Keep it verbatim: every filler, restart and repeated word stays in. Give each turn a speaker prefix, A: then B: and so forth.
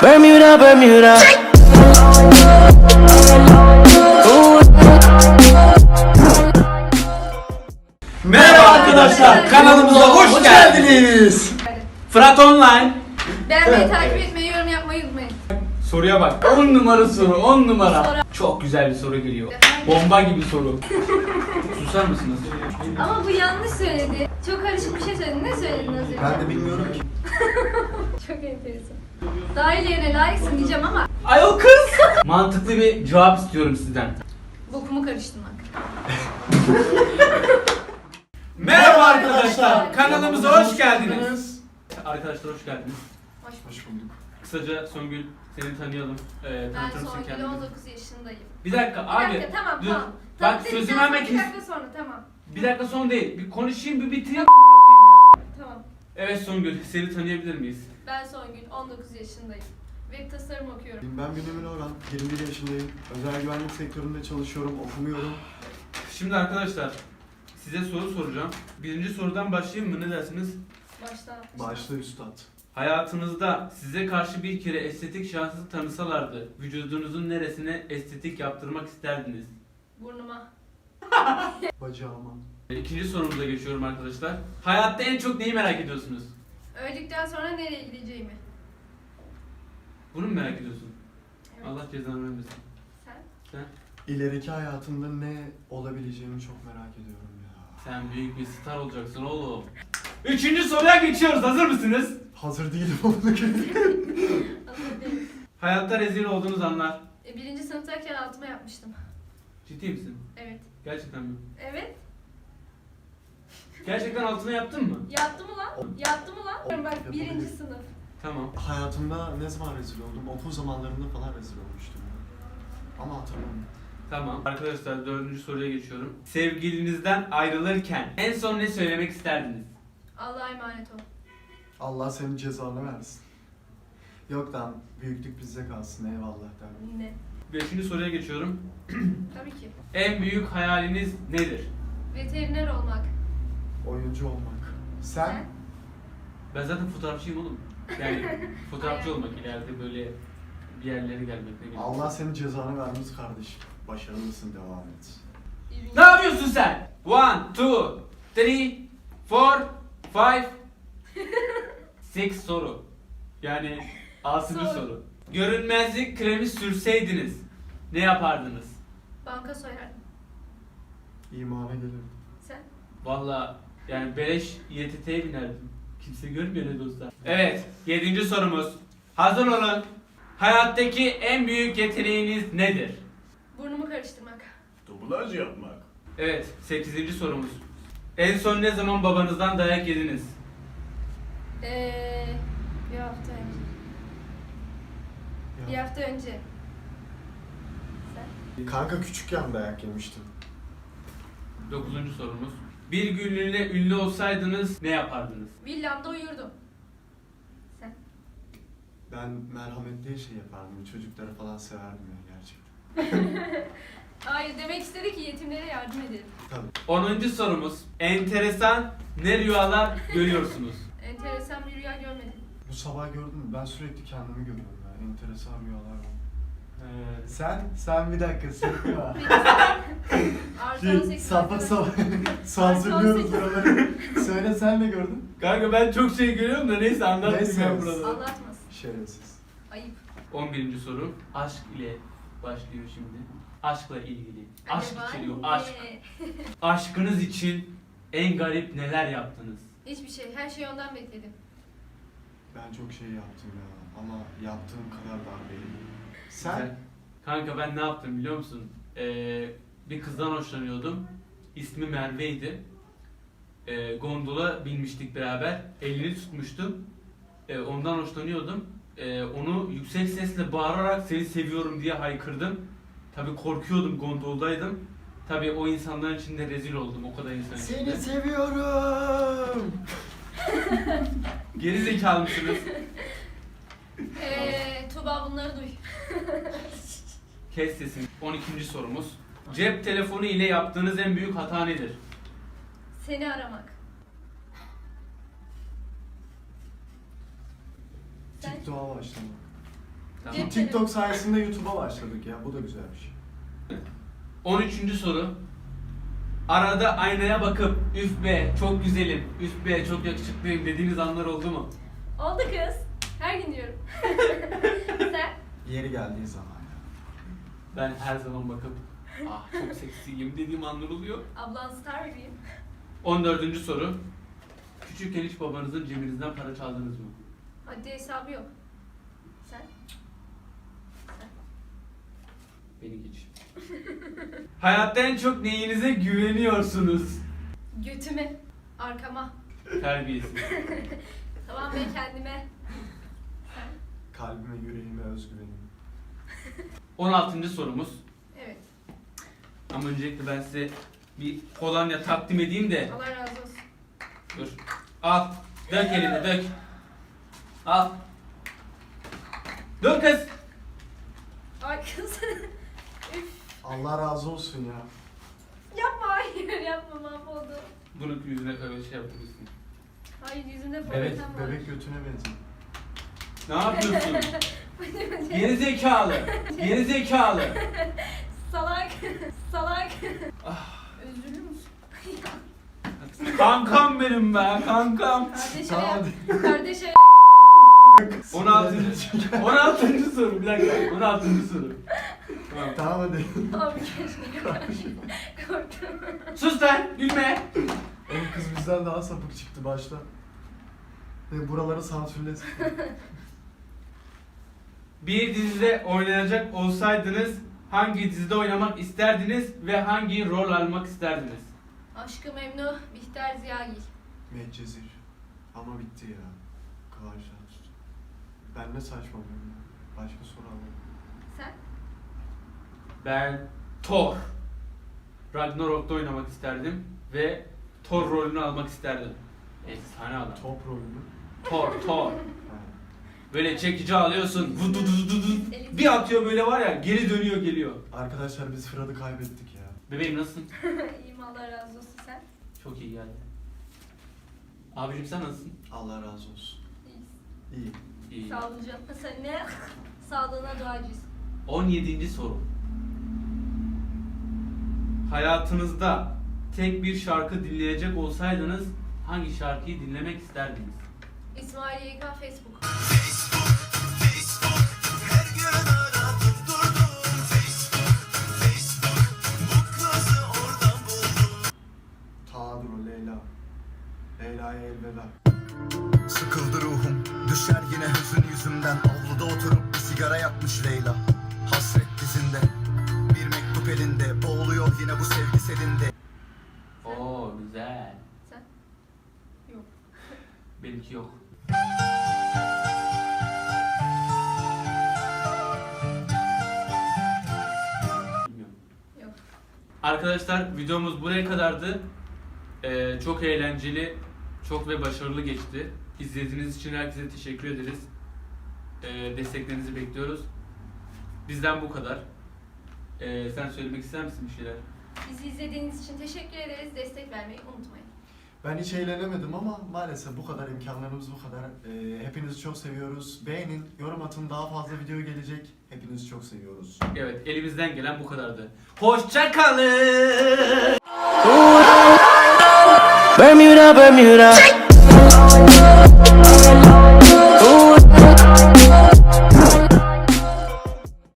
A: Bermuda, Bermuda.
B: Merhaba arkadaşlar, kanalımıza hoş geldiniz. Fırat Online.
C: Beğenmeyi, takip etmeyi, yorum yapmayı unutmayın.
B: Soruya bak, on numara soru, on numara. Çok güzel bir soru geliyor. Bomba gibi soru. Susar mısınız?
C: Ama bu yanlış söyledi. Çok karışık bir şey söyledi. Ne söyledin az önce?
D: Ben de bilmiyorum ki.
C: Çok enteresan. Dahil yerine layıksın diyeceğim ama
B: Ay o kız. Mantıklı bir cevap istiyorum sizden.
C: bokumu karıştırmak.
B: Merhaba arkadaşlar, kanalımıza hoş geldiniz. Arkadaşlar hoş geldiniz.
C: Hoş bulduk.
D: Hoş bulduk.
B: Kısaca Songül, seni tanıyalım. Ee,
C: Ben
B: tanıtır mısın
C: Songül,
B: kendini?
C: on dokuz yaşındayım.
B: Bir dakika
C: Bir
B: abi.
C: dakika, tamam
B: dur.
C: tamam.
B: Bak
C: Tamam,
B: sözümü
C: dedikten
B: hemen
C: sonra
B: kes.
C: Bir dakika sonra tamam.
B: Bir dakika son değil. Bir konuşayım, bir bitireyim.
C: Tamam.
B: Evet Songül, seni tanıyabilir miyiz?
C: Ben Songül, on dokuz yaşındayım. Web tasarım okuyorum.
D: Ben Bünyamin Orhan, yirmi bir yaşındayım. Özel güvenlik sektöründe çalışıyorum, okumuyorum.
B: Şimdi arkadaşlar, size soru soracağım. Birinci sorudan başlayayım mı? Ne dersiniz?
C: Başta.
D: Başta üstad.
B: Hayatınızda size karşı bir kere estetik şahsı tanısalardı, vücudunuzun neresine estetik yaptırmak isterdiniz?
C: Burnuma.
D: Bacağıma.
B: İkinci sorumuza geçiyorum arkadaşlar. Hayatta en çok neyi merak ediyorsunuz?
C: Öldükten sonra nereye gideceğimi.
B: Bunu mu merak ediyorsun?
C: Evet.
B: Allah cezanı vermesin.
C: Sen?
B: Sen?
D: İleriki hayatımda ne olabileceğimi çok merak ediyorum ya.
B: Sen büyük bir star olacaksın oğlum. Üçüncü soruya geçiyoruz. Hazır mısınız?
D: Hazır değilim onu
C: Hazır değilim.
B: Hayatta rezil olduğunuz anlar.
C: E, birinci sınıftayken altıma yapmıştım.
B: Ciddi misin?
C: Evet.
B: Gerçekten mi?
C: Evet.
B: Gerçekten altına yaptın mı?
C: Yaptı mı lan? Yaptı mı lan? Bak
D: Yapabilir.
C: birinci sınıf.
B: Tamam.
D: Hayatımda ne zaman rezil oldum? Okul zamanlarında falan rezil olmuştum ya. Ama hatırlamıyorum.
B: Tamam. Arkadaşlar dördüncü soruya geçiyorum. Sevgilinizden ayrılırken en son ne söylemek isterdiniz?
C: Allah'a emanet ol.
D: Allah senin cezanı versin. Yok lan, büyüklük bizde kalsın, eyvallah derdim.
C: Ne?
B: Beşinci soruya geçiyorum.
C: Tabii ki.
B: En büyük hayaliniz nedir?
C: Veteriner olmak.
D: Oyuncu olmak. Sen?
B: Ben zaten fotoğrafçıyım oğlum. Yani fotoğrafçı
C: Hayal.
B: olmak ileride böyle bir yerlere gelmek ne bileyim.
D: Allah senin cezanı vermez kardeşim. Başarılısın, devam et.
B: Ne yapıyorsun sen? One, two, three, four, five, six soru. Yani altıncı
C: Soru.
B: soru. Görünmezlik kremi sürseydiniz ne yapardınız?
C: Banka soyardım.
D: İmana gelirim.
C: Sen?
B: Valla yani beleş İ T T'ye binerdim. Kimse görmüyor ne dostlar. Evet, yedinci sorumuz. Hazır olun. Hayattaki en büyük yeteneğiniz nedir?
C: Burnumu karıştırmak.
D: Dublaj yapmak.
B: Evet, sekizinci sorumuz. En son ne zaman babanızdan dayak yediniz?
C: Eee... Bir hafta önce. Bir hafta önce. Sen?
D: Kanka küçükken dayak yemiştim.
B: Dokuzuncu sorumuz. Bir günlüğüne ünlü olsaydınız ne yapardınız?
C: Villamda uyurdum. Sen?
D: Ben merhametli şey yapardım. Çocukları falan severdim ya gerçekten.
C: Hayır, demek istedi ki yetimlere yardım edelim.
D: Tabii.
B: Onuncu sorumuz. Enteresan ne rüyalar görüyorsunuz?
C: Enteresan bir rüya görmedim.
D: Bu sabah gördün mü? Ben sürekli kendimi görüyorum ya. Enteresan rüyalar var.
B: Ee,
D: Sen? Sen bir dakika sıkma.
C: Artı on
D: şey,
C: sekiz
D: sapık sapık. Sansürlüyoruz buraları. Söyle sen de gördün.
B: Kanka ben çok şey görüyorum da neyse anlatmayayım
D: Neyse.
B: ben burada.
C: Anlatmasın.
D: Şerefsiz.
C: Ayıp.
B: On birinci soru. Aşk ile başlıyor şimdi. Aşkla ilgili. Aşk
C: Acaba
B: içeriyor.
C: ne?
B: Aşk. Aşkınız için en garip neler yaptınız?
C: Hiçbir şey. Her şeyi ondan bekledim.
D: Ben çok şey yaptım ya. Ama yaptığım kadar dar değil.
B: Güzel.
D: Sen?
B: Kanka ben ne yaptım biliyor musun? Ee, bir kızdan hoşlanıyordum. İsmi Merve'ydi. Ee, gondola binmiştik beraber. Elini tutmuştum. Ee, ondan hoşlanıyordum. Ee, onu yüksek sesle bağırarak seni seviyorum diye haykırdım. Tabii korkuyordum, gondoldaydım. Tabii o insanların içinde rezil oldum, o kadar insan içinde.
D: Seni seviyorum.
B: Geri zekalı mısınız?
C: Eee... Tuğba bunları duy.
B: Kes sesini. on ikinci sorumuz. Cep telefonu ile yaptığınız en büyük hata nedir?
C: Seni aramak. Sen?
D: TikTok'a başlamak.
B: Tamam.
C: Geç.
D: TikTok sayesinde YouTube'a başladık ya. Bu da güzel bir şey.
B: on üçüncü soru. Arada aynaya bakıp üf be çok güzelim, üf be çok yakışıklıyım dediğiniz anlar oldu mu?
C: Oldu kız. Her gün diyorum. Sen?
D: Yeri geldiği zaman ya.
B: Ben her zaman bakıp ah çok seksiyim dediğim anlar oluyor.
C: Ablan star bebeğim.
B: on dördüncü soru. Küçükken hiç babanızın cebinizden para çaldınız mı?
C: Hadi hesabı yok. Sen?
B: Beni geç. Hayatta en çok neyinize güveniyorsunuz?
C: Götüme. Arkama.
B: Terbiyesiz.
C: Tamam ben kendime. Sen?
D: Kalbime, yüreğime, özgüvenim.
B: on altıncı sorumuz.
C: Evet.
B: Ama öncelikle ben size bir kolonya takdim edeyim de.
C: Allah razı olsun.
B: Dur. Al. Dök elini dök. Al. Dur kız.
C: Ay kız. Üf.
D: Allah razı olsun ya.
C: Yapma hayır yapma mahvoldu.
B: Bunu yüzüne öyle şey yapabilirsin.
C: Hayır yüzümde
B: Evet,
C: problem var.
D: Bebek götüne benziyor.
B: Ne yapıyorsun? Geri zekalı. Geri zekalı.
C: Salak. Salak.
B: Ah.
C: Üzülür müsün?
B: Kankam benim be, kankam.
C: Kardeşe
D: Tamam,
C: yap.
D: hadi.
C: Kardeşe
B: on altıncı on altıncı soru bir dakika. on altıncı soru. Tamam.
D: Tamam hadi.
C: Abi keşke. Korktum.
B: Sus lan, gülme.
D: Oğlum kız bizden daha sapık çıktı başta. Ve buraları sansürlesin.
B: Bir dizide oynayacak olsaydınız hangi dizide oynamak isterdiniz ve hangi rol almak isterdiniz?
C: Aşkı Memnu, Bihter Ziyagil.
D: Medcezir. Ama bitti ya. Kıvanç Tatlıtuğ. Ben ne saçmalıyorum ya. Başka soru alalım.
C: Sen?
B: Ben Thor. Ragnarok'ta oynamak isterdim ve Thor rolünü almak isterdim. Efsane adam.
D: Top rolü mü?
B: Thor, Thor.
D: Ha.
B: Böyle çekici alıyorsun, vudu du du du. Bir atıyor böyle var ya, geri dönüyor geliyor.
D: Arkadaşlar biz Fırat'ı kaybettik ya.
B: Bebeğim nasılsın?
C: İyiyim Allah razı olsun sen.
B: Çok iyi geldi. Abicim sen nasılsın?
D: Allah razı olsun.
C: İyiyiz.
D: İyi.
B: İyi.
C: Sağlıcakla sen ne? Sağlığına duacıyız.
B: on yedinci soru. Hayatınızda tek bir şarkı dinleyecek olsaydınız hangi şarkıyı dinlemek isterdiniz?
C: İsmail Y K Facebook.
D: Tadur o Leyla. Leyla'ya elveda.
A: Sıkıldı ruhum, düşer yine hüzün yüzümden. Avluda oturup bir sigara yakmış Leyla. Hasret dizinde, bir mektup elinde. Boğuluyor yine bu sevgi selinde.
B: Oo güzel.
C: Sen? Yok.
B: Benimki yok. Bilmiyorum.
C: Yok.
B: Arkadaşlar videomuz buraya kadardı. Ee, çok eğlenceli, çok ve başarılı geçti. İzlediğiniz için herkese teşekkür ederiz. Ee, desteklerinizi bekliyoruz. Bizden bu kadar. Ee, sen söylemek ister misin bir şeyler?
C: Bizi izlediğiniz için teşekkür ederiz. Destek vermeyi unutmayın.
D: Ben hiç eğlenemedim ama maalesef bu kadar imkanlarımız bu kadar. Ee, hepinizi çok seviyoruz. Beğenin, yorum atın, daha fazla video gelecek. Hepinizi çok seviyoruz.
B: Evet, elimizden gelen bu kadardı. Hoşça kalın.
E: Bermuda, Bermuda.